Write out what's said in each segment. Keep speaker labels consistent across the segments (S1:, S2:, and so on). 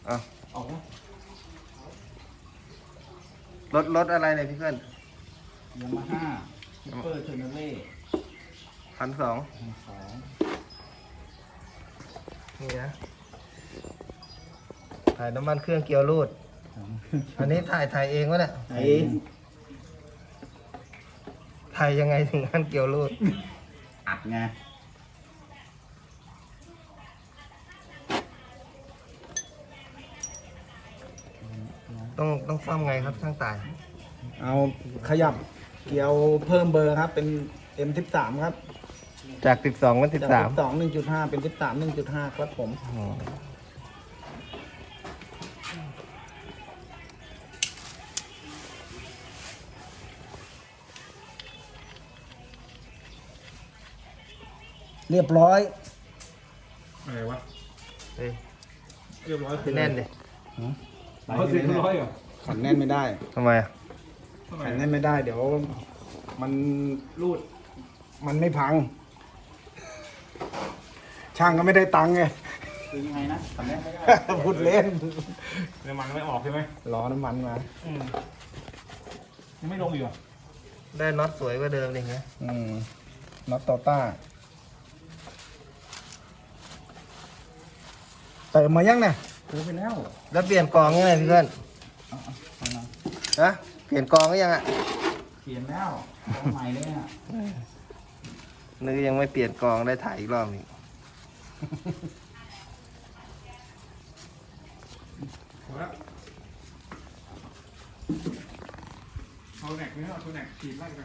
S1: เอา
S2: ออกนะ
S1: รถอะไรเนี่ยพี่เพื่อน
S2: ยามาฮ่าซูเปอร์เทอร์เนเล่
S1: 1,200
S2: 2
S1: นี่นะถ่ายน้ำมันเครื่องเกียวรูด อันนี้ถ่ายเองวะเนี่ย
S2: ไอ้
S1: ถ่ายยังไงถึงขั้นเกียวรูด
S2: อัดไง
S1: ต้องซ่อมไงครับช่างตาย
S3: เอาขยับเกียวเพิ่มเบอร์ครับเป็น M13 ครับ
S1: จาก 12เป็น
S3: จาก
S1: 13
S3: 12 1.5 เป็น 13 1.5 ครับผม
S1: อ๋อ
S3: เรียบร้อย
S2: อะไรวะ
S1: เฮ้ย
S2: เรียบร้อย
S1: แน่นดิ
S2: เขาเรียบร้อยเหรอ
S3: ขันแน่นไม่ได้
S1: ทำไมอ่ะ
S3: ขันแน่นไม่ได้เดี๋ยวมันรูดมันไม่พัง ช่างก็ไม่ได้ตังค์ไง
S2: คือยังไงนะทำได้ไม่ได้
S3: พูดเล่น
S2: น้ำมันไม่ออกใช่ไหม
S3: ล้อน้ำมันมา
S2: ยังไม่ลงอยู่อ่ะ
S1: ได้น็อตสวยกว่าเดิมดิไง
S3: น็อตโตต้าเติมมายังเนี่ย
S2: ซื้อไปแล้ว
S1: แล้วเปลี่ยนกองยังไงพี่เพื่อน
S2: เอามา
S1: ฮะเปลี่ยนกองก็ยังอ่ะ
S2: เขียนแล้วเอาใหม่เลยอ่ะ
S1: นึกยังไม่เปลี่ยนกองได้ถ่ายอีกรอบหนึง
S2: เอาแหนกเนื้อเอาตัวแหนกขีดไล่กัน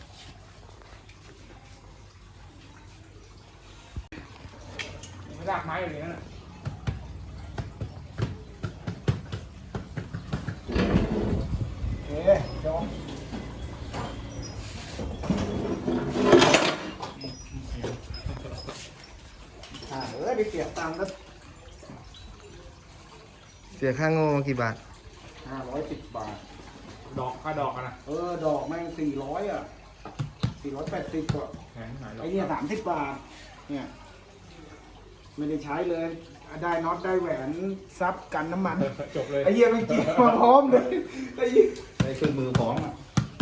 S2: ไม่รากไม้อย่างนี้นะ
S3: โอเคจบไปเก็บตังค์ก็
S1: เสียค่าโง่กี่บาท
S3: 510 บาท
S2: ดอกค่าดอกอะนะ
S3: ดอกแม่ง400 อ่ะ 480ก็
S2: แข็งหน่อย
S3: ไอเนี่ย30 บาท เนี่ย ไม่ได้ใช้เลย ได้น็อตได้แหวนซับกันน้ำมัน
S2: จบเลย
S3: ไอเหี้ยมันเกี่ยวมาพร้อมเลยไอ้เหี้ย
S2: ได้เครื่องมือพร้อมอ่ะ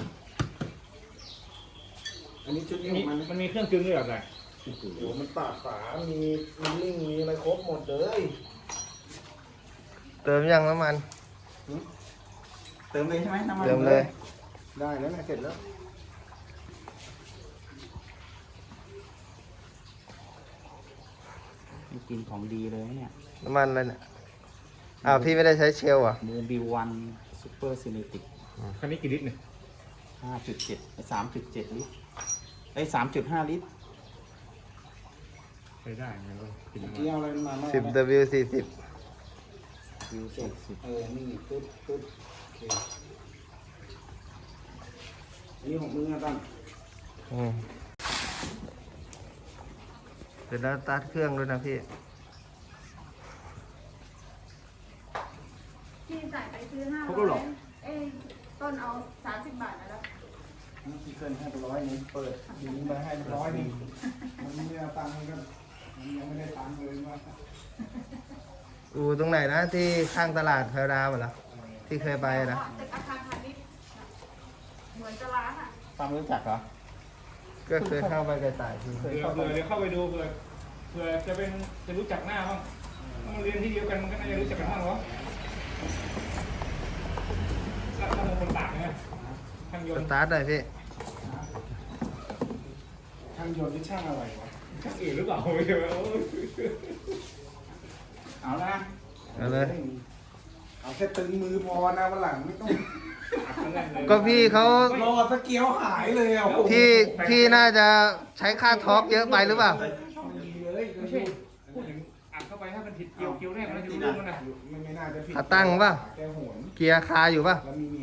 S3: อันนี้ชุดนี้
S2: มี
S3: ของมัน
S2: มันมีเครื่องกึ่งด้วยแบบไหน
S3: โอ้โหมันปาดฝา มีลิงมีอะไรครบหมดเลย
S1: เติมยังน้ำมัน
S2: เติมเลยใช่ไหมน้ำมัน
S1: เติมเลย
S3: ได้แล้วนะเสร็จแล้ว
S2: กินของดีเลยเนี่ย
S1: น้ำมันอะไรเนี่ยอ้าวพี่ไม่ได้ใช้เชลล์อ่ะ
S2: โมบิลวันซูเปอร์ซีเนติกคันนี้กี่ลิตรเนี่ย5.7 3.7 ลิตรไอ้3.5 ลิตรใช้ได้ไงก็กิน
S3: เมื่อกี้เอาอะไรมาบ้าง
S1: 10W40
S2: วิว
S3: จบ
S2: 40
S3: นี่ปึ๊บปึ๊บโอเคอันนี้ของมึงนะตั้ง
S1: อืมเดี๋ยวแล้วสตาร์ทเครื่องด้วยนะพี่
S4: พี่จ่ายไปซื้อ500เอ้ยต้นเอา30 บาทนะแล้ว
S3: ที่เคยให้ไป100 นึงเปิดยิงไปให้ไป100 นึงมันไม่เอาตังค์มันก็มันยังไม่ได้ตังค์เลยว่า
S1: อูตรงไหนนะที่ข้างตลาดแพรดาวเหรอที่เคยไปนะ
S4: ตึกอาคารพาณิชย์เหมือนจะร้านอ่ะ
S2: ตามรู้จักเหรอ
S1: ก็เคยเข้าไปกระต่ายที่
S2: เผื่อเดี๋ยวเข้าไปดูเผื่อจะรู้จักหน้าบ้างต้องเรียนที่เดียวกันมันก็น่าจะรู้จักกันบ้างเหรอแล้วถ้าคนต่างเนี่ยช่างย
S1: ส
S2: นต์
S1: ตาร์ทเลยพี่
S3: ช่างยนต์ที่ช่างอะไรวะ
S2: ช่างอื่นหรือเปล่าไม่ใช่ไหมเอาละ
S1: เอาเลย
S3: เอาแค่ตึงมือพอนะวันหลังไม่ต้อง
S1: ก็พี่เขา
S3: รอสเกียวหายเลยอ่ะโอ้โห
S1: พี่น่าจะใช้ค่าทอล์กเยอะไปหรือเปล่า
S3: ดีเลย
S2: ไม่ใช่พูดถึงอัดเข้าไปถ้ามันผิดเกี่ยวแรกมันจะรู้เรื่องมันนะ
S3: ไม่น่าจะผิด
S1: ขาตั้งป่ะ
S3: แกโหน
S1: เกียร์คาอยู่ป่ะ
S3: แล้วมี